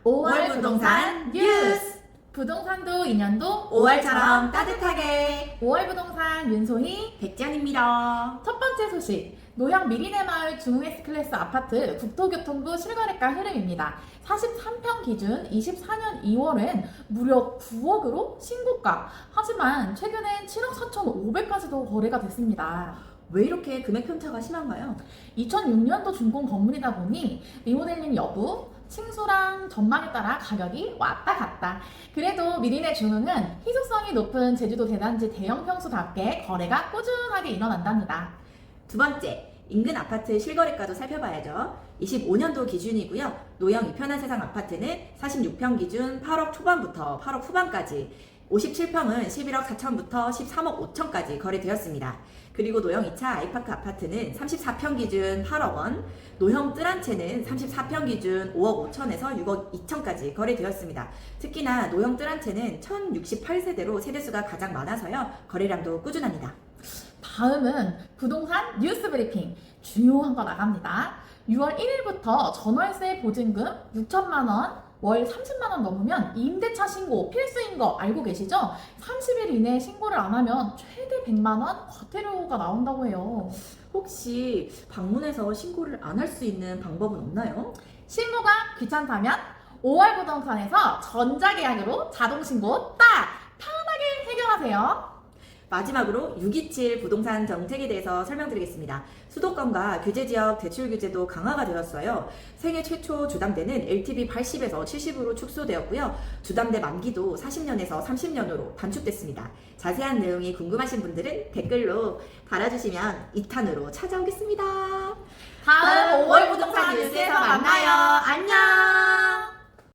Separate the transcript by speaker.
Speaker 1: 5월 부동산 뉴스!
Speaker 2: 부동산도 인연도
Speaker 1: 5월처럼 따뜻하게
Speaker 2: 5월 부동산 윤소희
Speaker 1: 백지연입니다.
Speaker 2: 첫 번째 소식 노형 미리네마을 중흥S 클래스 아파트 국토교통부 실거래가 흐름입니다. 43평 기준 24년 2월엔 무려 9억으로 신고가. 하지만 최근엔 7억 4,500까지도 거래가 됐습니다.
Speaker 1: 왜 이렇게 금액 편차가 심한가요?
Speaker 2: 2006년도 준공 건물이다 보니 리모델링 여부, 층수랑 전망에 따라 가격이 왔다 갔다. 그래도 미리네 중흥은 희소성이 높은 제주도 대단지 대형 평수답게 거래가 꾸준하게 일어난답니다.
Speaker 1: 두 번째, 인근 아파트 실거래가도 살펴봐야죠. 25년도 기준이고요. 노형 이편한 세상 아파트는 46평 기준 8억 초반부터 8억 후반까지, 57평은 11억 4천부터 13억 5천까지 거래되었습니다. 그리고 노형 2차 아이파크 아파트는 34평 기준 8억 원, 노형 뜰 한 채는 34평 기준 5억 5천에서 6억 2천까지 거래되었습니다. 특히나 노형 뜰 한 채는 1068세대로 세대수가 가장 많아서요. 거래량도 꾸준합니다.
Speaker 2: 다음은 부동산 뉴스 브리핑. 중요한 거 나갑니다. 6월 1일부터 전월세 보증금 6천만 원, 월 30만 원 넘으면 임대차 신고 필수인 거 알고 계시죠? 30일 이내에 신고를 안 하면 최대 100만 원 과태료가 나온다고 해요.
Speaker 1: 혹시 방문해서 신고를 안 할 수 있는 방법은 없나요?
Speaker 2: 신고가 귀찮다면 5월 부동산에서 전자계약으로 자동신고 딱 편하게 해결하세요.
Speaker 1: 마지막으로 627 부동산 정책에 대해서 설명드리겠습니다. 수도권과 규제지역 대출 규제도 강화가 되었어요. 생애 최초 주담대는 LTV 80에서 70으로 축소되었고요. 주담대 만기도 40년에서 30년으로 단축됐습니다. 자세한 내용이 궁금하신 분들은 댓글로 달아주시면 2탄으로 찾아오겠습니다.
Speaker 2: 다음 5월 부동산 뉴스에서 만나요. 안녕.